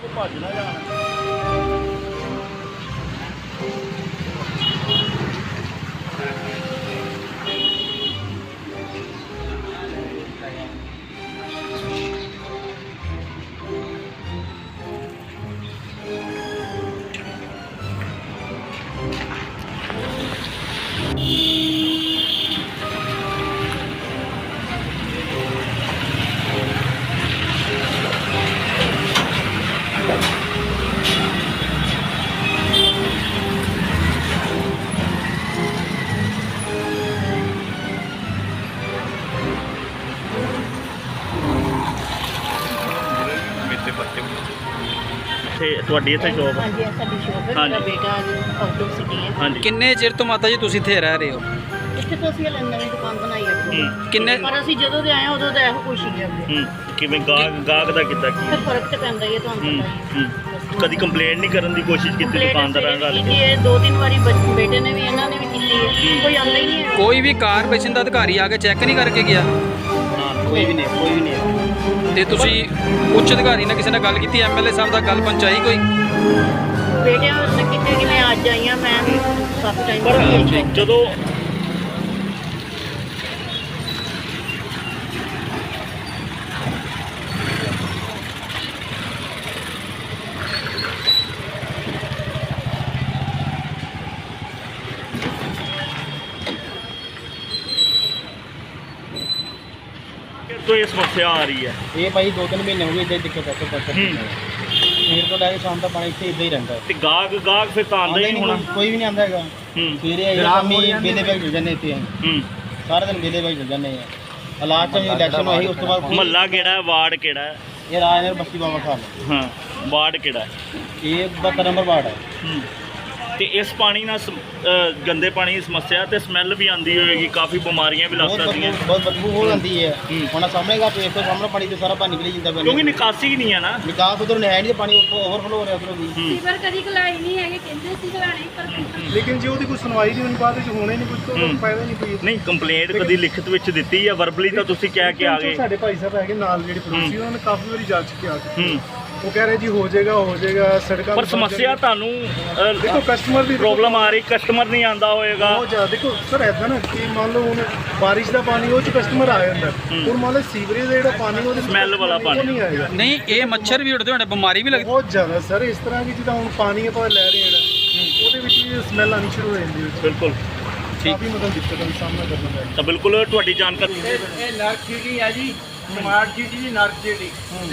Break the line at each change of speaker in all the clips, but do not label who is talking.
ਭੱਜ ਨਾ ਜਾਣ। ਤੁਹਾਡੀ ਇੱਥੇ ਸ਼ੌਪ?
ਹਾਂਜੀ ਸਾਡੀ ਸ਼ੌਪ ਹੈ। ਮੇਰਾ ਬੇਟਾ ਆਊਟ ਆਫ ਸਿਟੀ ਹੈ।
ਹਾਂਜੀ।
ਕਿੰਨੇ ਚਿਰ ਤੋਂ ਮਾਤਾ ਜੀ ਤੁਸੀਂ ਇੱਥੇ ਰਹਿ ਰਹੇ ਹੋ?
ਇੱਥੇ ਤੋਂ ਅਸੀਂ ਨਵੀਂ ਦੁਕਾਨ ਬਣਾਈ ਹੈ।
ਕਿੰਨੇ
ਪਰ ਅਸੀਂ ਜਦੋਂ ਦੇ ਆਏ ਹਾਂ ਉਦੋਂ ਦਾ ਇਹੋ ਕੁਛ ਹੀ ਹੈ।
ਕਿਵੇਂ ਗਾਹਕ ਦਾ ਕਿੱਦਾਂ ਕੀ?
ਫਿਰ ਫਰਕ ਤੇ ਪੈਂਦਾ ਹੀ ਹੈ ਤੁਹਾਨੂੰ ਪਤਾ ਹੀ ਹੈ।
ਕਦੀ ਕੰਪਲੇਂਟ ਨਹੀਂ ਕਰਨ ਦੀ ਕੋਸ਼ਿਸ਼ ਕੀਤੀ ਦੁਕਾਨਦਾਰਾਂ ਨਾਲ?
ਇਹ 2-3 ਵਾਰੀ ਬੇਟੇ ਨੇ ਵੀ ਇਹਨਾਂ ਨੇ ਵੀ ਕੀਤੀ ਹੈ, ਕੋਈ ਆਉਂਦਾ ਹੀ ਨਹੀਂ ਹੈ।
ਕੋਈ ਵੀ ਕਾਰਪੋਰੇਸ਼ਨ ਦਾ ਅਧਿਕਾਰੀ ਆ ਕੇ ਚੈੱਕ ਨਹੀਂ ਕਰਕੇ ਗਿਆ?
ਕੋਈ ਵੀ ਨਹੀਂ।
ਤੇ ਤੁਸੀਂ ਉੱਚ ਅਧਿਕਾਰੀ ਨਾਲ ਕਿਸੇ ਨਾਲ ਗੱਲ ਕੀਤੀ? ਐਮਐਲਏ ਸਾਹਿਬ ਦਾ ਗੱਲ ਪਹੁੰਚਾਈ ਕੋਈ?
ਬੇਟਿਆਂ ਨੇ ਕਿਤੇ ਕਿ ਮੈਂ ਅੱਜ ਆਈ ਹਾਂ, ਮੈਂ ਕਾਫੀ ਟਾਈਮ
ਪਰ ਜਦੋਂ तो ये समस्या आ रही है?
ये भाई 2-3 महीने हो गए इधर दिक्कत आते पड़ता मेरे को लगे शाम तक पानी इतने इधर ही रहता है।
ते गाहक फिर तो आंदा ही नहीं होना?
कोई भी नहीं आंदा है। सवेरे शामी बेले बैग चल जाने इतने सारा दिन बेले बैग चल जाने हैं। हालात में इलेक्शन हुई उस बाद
महल्ला केड़ा है, वार्ड केड़ा है?
ये राजनगर बस्ती बाबा खान।
हाँ, वार्ड केड़ा है?
ये 72 नंबर वार्ड है।
ਤੇ ਇਸ ਪਾਣੀ ਨਾਲ ਗੰਦੇ ਪਾਣੀ ਦੀ ਸਮੱਸਿਆ ਤੇ ਸਮੈਲ ਵੀ ਆਉਂਦੀ ਹੋਏਗੀ, ਕਾਫੀ ਬਿਮਾਰੀਆਂ ਵੀ ਲੱਗ ਸਕਦੀਆਂ।
बहुत बदबू हो जाती है। होना सामने का पेट तो सामने पानी तो सारा पानी निकल जाता है
क्योंकि निकासी ही नहीं है ना।
निकास उधर है नहीं, पानी ओवरफ्लो हो रहा है उधर भी।
ਸੀਵਰ ਕਦੀ ਖਲਾਈ ਨਹੀਂ ਹੈਗੇ, ਕਹਿੰਦੇ ਸੀ ਖਲਾਣੇ ਪਰ
ਲੇਕਿਨ ਜੇ ਉਹਦੀ ਕੋਈ ਸੁਣਵਾਈ ਨਹੀਂ ਹੋਣੀ, ਬਾਅਦ ਵਿੱਚ ਹੋਣੇ ਨਹੀਂ ਕੁਝ ਤਾਂ ਫਾਇਦਾ ਨਹੀਂ ਕੋਈ।
ਨਹੀਂ, ਕੰਪਲੇਂਟ ਕਦੀ ਲਿਖਤ ਵਿੱਚ ਦਿੱਤੀ ਜਾਂ ਵਰਬਲੀ ਤਾਂ ਤੁਸੀਂ ਕਹਿ ਕੇ ਆ ਗਏ?
ਸਾਡੇ ਭਾਈ ਸਾਹਿਬ ਹੈਗੇ ਨਾਲ ਜਿਹੜੇ ਪੜੋਸੀ, ਉਹਨਾਂ ਨੇ ਕਾਫੀ ਵਾਰੀ ਜਾ ਚੁੱਕੇ ਆ ਕੇ। ਉਹ ਕਹਿ ਰਹੇ ਜੀ ਹੋ ਜਾਏਗਾ ਸੜਕਾਂ
ਪਰ ਸਮੱਸਿਆ ਤੁਹਾਨੂੰ
ਦੇਖੋ ਕਸਟਮਰ ਦੀ
ਪ੍ਰੋਬਲਮ ਆ ਰਹੀ, ਕਸਟਮਰ ਨਹੀਂ ਆਂਦਾ ਹੋਏਗਾ।
ਬਹੁਤ ਜ਼ਿਆਦਾ ਦੇਖੋ ਸਰ ਐਦਾਂ ਨਾ ਕਿ ਮੰਨ ਲਓ ਹੁਣ ਬਾਰਿਸ਼ ਦਾ ਪਾਣੀ ਉਹ ਚ ਕਸਟਮਰ ਆ ਜਾਂਦਾ, ਹੁਣ ਮੰਨ ਲਓ ਸੀਵਰੇਜ ਦਾ ਜਿਹੜਾ ਪਾਣੀ ਉਹਦੇ
ਸਮੈਲ ਵਾਲਾ ਪਾਣੀ
ਉਹ ਨਹੀਂ ਆਏਗਾ।
ਨਹੀਂ, ਇਹ ਮੱਛਰ ਵੀ ਉੱਡਦੇ ਹੋਣੇ, ਬਿਮਾਰੀ ਵੀ ਲੱਗਦੀ
ਬਹੁਤ ਜ਼ਿਆਦਾ ਸਰ। ਇਸ ਤਰ੍ਹਾਂ ਕਿ ਜਿੱਦਾਂ ਹੁਣ ਪਾਣੀ ਆਪਾਂ ਲੈ ਰਹੇ ਹਾਂ ਉਹਦੇ ਵਿੱਚ ਵੀ ਸਮੈਲ ਆਣੀ ਸ਼ੁਰੂ ਹੋ ਜਾਂਦੀ ਹੈ।
ਬਿਲਕੁਲ
ਕਾਫੀ ਮਤਲਬ ਦਿੱਕਤ ਦਾ ਸਾਹਮਣਾ ਕਰਨਾ ਪੈਂਦਾ।
ਤਾਂ ਬਿਲਕੁਲ ਤੁਹਾਡੀ ਜਾਣਕਾਰੀ।
ਇਹ ਨਰਕ ਸਿਟੀ ਹੈ ਜੀ, ਸਮਾਰਟ ਸਿਟੀ ਜੀ, ਨਰਕ ਸਿਟੀ।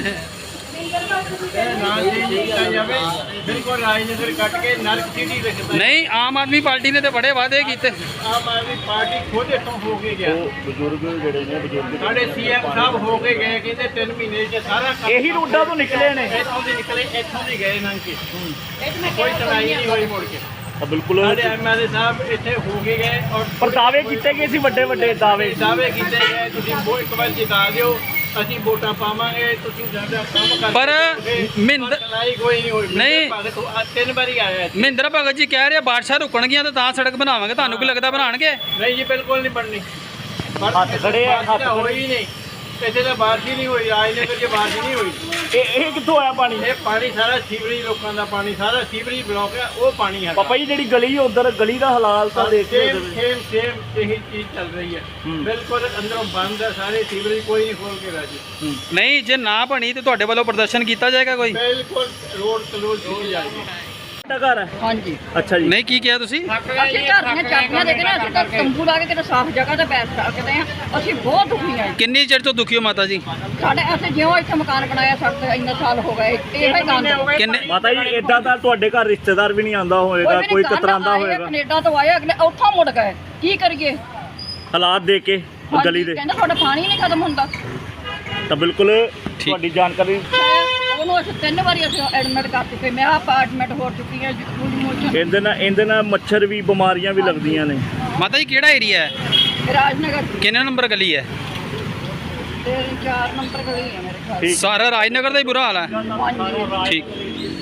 ਬਿਲਕੁਲ ਰਾਜਨਗਰ ਕੱਟ ਕੇ ਨਰਕ ਸਿਟੀ ਰੱਖਦਾ।
ਨਹੀਂ, ਆਮ ਆਦਮੀ ਪਾਰਟੀ ਨੇ ਤੇ ਬੜੇ ਵਾਅਦੇ ਕੀਤੇ।
ਆਮ ਆਦਮੀ ਪਾਰਟੀ ਖੁਦ ਇੱਥੋਂ ਹੋ ਕੇ ਗਿਆ।
ਉਹ ਬਜ਼ੁਰਗ ਜਿਹੜੇ ਨੇ
ਸਾਡੇ ਸੀਐਮ ਸਾਹਿਬ ਹੋ ਕੇ ਗਏ, ਕਹਿੰਦੇ 3 ਮਹੀਨੇ 'ਚ ਸਾਰਾ ਕੰਮ
ਇਹੀ ਰੋਡਾਂ ਤੋਂ ਨਿਕਲੇ ਨੇ।
ਇੱਥੋਂ ਦੇ ਨਿਕਲੇ, ਇੱਥੋਂ ਦੇ ਗਏ ਲੰਘ ਕੇ। ਕੋਈ ਸੁਣਾਈ ਨਹੀਂ ਹੋਈ ਮੁੜ ਕੇ।
ਬਿਲਕੁਲ
ਸਾਡੇ ਐਮਐਲਏ ਸਾਹਿਬ ਇੱਥੇ ਹੋ ਕੇ ਗਏ ਔਰ
ਪਰ ਦਾਅਵੇ ਕੀਤੇ ਗਏ ਸੀ, ਵੱਡੇ ਦਾਅਵੇ
ਕੀਤੇ ਗਏ। ਤੁਸੀਂ ਉਹ ਇੱਕ ਵਾਰ ਜਿਤਾ ਦਿਓ, ਅਸੀਂ ਵੋਟਾਂ ਪਾਵਾਂਗੇ, ਤੁਸੀਂ ਸਾਡਾ ਕੰਮ ਕਰ।
ਪਰ ਮਹਿੰਦਰ
ਕੋਈ ਨਹੀਂ ਹੋਈ।
ਨਹੀਂ।
3 ਵਾਰੀ ਆਇਆ ਇੱਥੇ।
ਮਹਿੰਦਰ ਭਗਤ ਜੀ ਕਹਿ ਰਹੇ ਬਾਰਿਸ਼ਾਂ ਰੁਕਣਗੀਆਂ ਤਾਂ ਸੜਕ ਬਣਾਵਾਂਗੇ। ਤੁਹਾਨੂੰ ਕੀ ਲੱਗਦਾ ਬਣਾਉਣਗੇ?
ਨਹੀਂ ਜੀ, ਬਿਲਕੁਲ ਨਹੀਂ ਬਣਨੀ।
ਹੱਥ ਖੜੇ ਆ, ਹੱਥ
ਹੋਈ ਨਹੀਂ ਇੱਥੇ ਤਾਂ ਬਾਰਿਸ਼ ਹੀ ਨਹੀਂ ਹੋਈ। ਰਾਜਨਗਰ 'ਚ ਬਾਰਿਸ਼ ਨਹੀਂ ਹੋਈ।
ਇਹ ਕਿੱਥੋਂ ਆਇਆ ਪਾਣੀ?
ਇਹ ਪਾਣੀ ਸਾਰਾ ਸੀਵਰੇਜ, ਲੋਕਾਂ ਦਾ ਪਾਣੀ ਸਾਰਾ ਸੀਵਰੇਜ ਬਲੌਕ ਹੈ। ਉਹ ਪਾਣੀ ਹੈ
ਪਾਪਾ ਜੀ ਜਿਹੜੀ ਗਲੀ ਉਧਰ, ਗਲੀ ਦਾ ਹਾਲਾਤ ਤਾਂ ਦੇਖ ਕੇ
ਸੇਮ ਇਹੀ ਚੀਜ਼ ਚੱਲ ਰਹੀ ਹੈ। ਬਿਲਕੁਲ ਅੰਦਰੋਂ ਬੰਦ ਹੈ ਸਾਰੇ ਸੀਵਰੇਜ, ਕੋਈ ਨਹੀਂ ਖੋਲ ਕੇ ਰਾਜੀ।
ਨਹੀਂ, ਜੇ ਨਾ ਬਣੀ ਤੇ ਤੁਹਾਡੇ ਵੱਲੋਂ ਪ੍ਰਦਰਸ਼ਨ ਕੀਤਾ ਜਾਏਗਾ ਕੋਈ?
ਬਿਲਕੁਲ ਰੋਡ ਕਲੋਜ਼ ਕੀਤੀ ਜਾਏਗੀ।
ਘਰ ਹੈ?
ਹਾਂਜੀ।
ਅੱਛਾ ਜੀ।
ਨਹੀਂ, ਕੀ ਕਿਹਾ ਤੁਸੀਂ?
ਅਸੀਂ ਘਰ ਦੀਆਂ ਚਾਬੀਆਂ ਦੇ ਕੇ ਨਾ ਅਸੀਂ ਤਾਂ ਤੰਬੂ ਲਾ ਕੇ ਕਿਤੇ ਸਾਫ਼ ਜਗ੍ਹਾ ਤੇ ਬੈਠ ਸਕਦੇ ਹਾਂ। ਅਸੀਂ ਬਹੁਤ ਦੁਖੀ ਹਾਂ।
ਕਿੰਨੀ ਚਿਰ ਤੋਂ ਦੁਖੀ ਹੋ ਮਾਤਾ ਜੀ?
ਸਾਡੇ ਅਸੀਂ ਜਿਉਂ ਇੱਥੇ ਮਕਾਨ ਬਣਾਇਆ ਸਾਡੇ ਤੇ ਇੰਨੇ ਸਾਲ ਹੋ ਗਏ ਇਹ ਹੀ ਗੰਦ।
ਕਿੰਨੇ?
ਮਾਤਾ ਜੀ ਇਦਾਂ ਤਾਂ ਤੁਹਾਡੇ ਘਰ ਰਿਸ਼ਤੇਦਾਰ ਵੀ ਨਹੀਂ ਆਂਦਾ ਹੋਏਗਾ, ਕੋਈ ਕਤਰਾਂਦਾ ਹੋਏਗਾ?
ਕੈਨੇਡਾ ਤੋਂ ਆਏ, ਅਗਲੇ ਉੱਥੋਂ ਮੁੜ ਗਏ। ਕੀ ਕਰੀਏ
ਹਾਲਾਤ ਦੇਖ ਕੇ ਗਲੀ ਦੇ?
ਕਹਿੰਦਾ ਤੁਹਾਡਾ ਪਾਣੀ ਨਹੀਂ ਖਤਮ ਹੁੰਦਾ।
ਤਾਂ ਬਿਲਕੁਲ ਤੁਹਾਡੀ ਜਾਣਕਾਰੀ।
ਉਹਨੂੰ ਅਸੀਂ 3 ਵਾਰੀ ਅਸੀਂ ਐਡਮਿਟ ਕਰ ਚੁੱਕੇ। ਮੈਂ ਅਪਾਰਟਮੈਂਟ ਹੋ ਚੁੱਕੀ ਹਾਂ।
ਇਹਦੇ ਨਾਲ ਮੱਛਰ ਵੀ, ਬਿਮਾਰੀਆਂ ਵੀ ਲੱਗਦੀਆਂ ਨੇ।
ਮਾਤਾ ਜੀ ਕਿਹੜਾ ਏਰੀਆ ਹੈ?
ਰਾਜਨਗਰ
ਕਿੰਨੇ ਨੰਬਰ ਗਲੀ ਹੈ?
4 ਨੰਬਰ ਗਲੀ ਹੈ ਮੇਰੇ ਖਿਆਲ।
ਸਾਰਾ ਰਾਜਨਗਰ ਦਾ ਹੀ ਬੁਰਾ ਹਾਲ ਹੈ।
ਹਾਂਜੀ।
ਠੀਕ।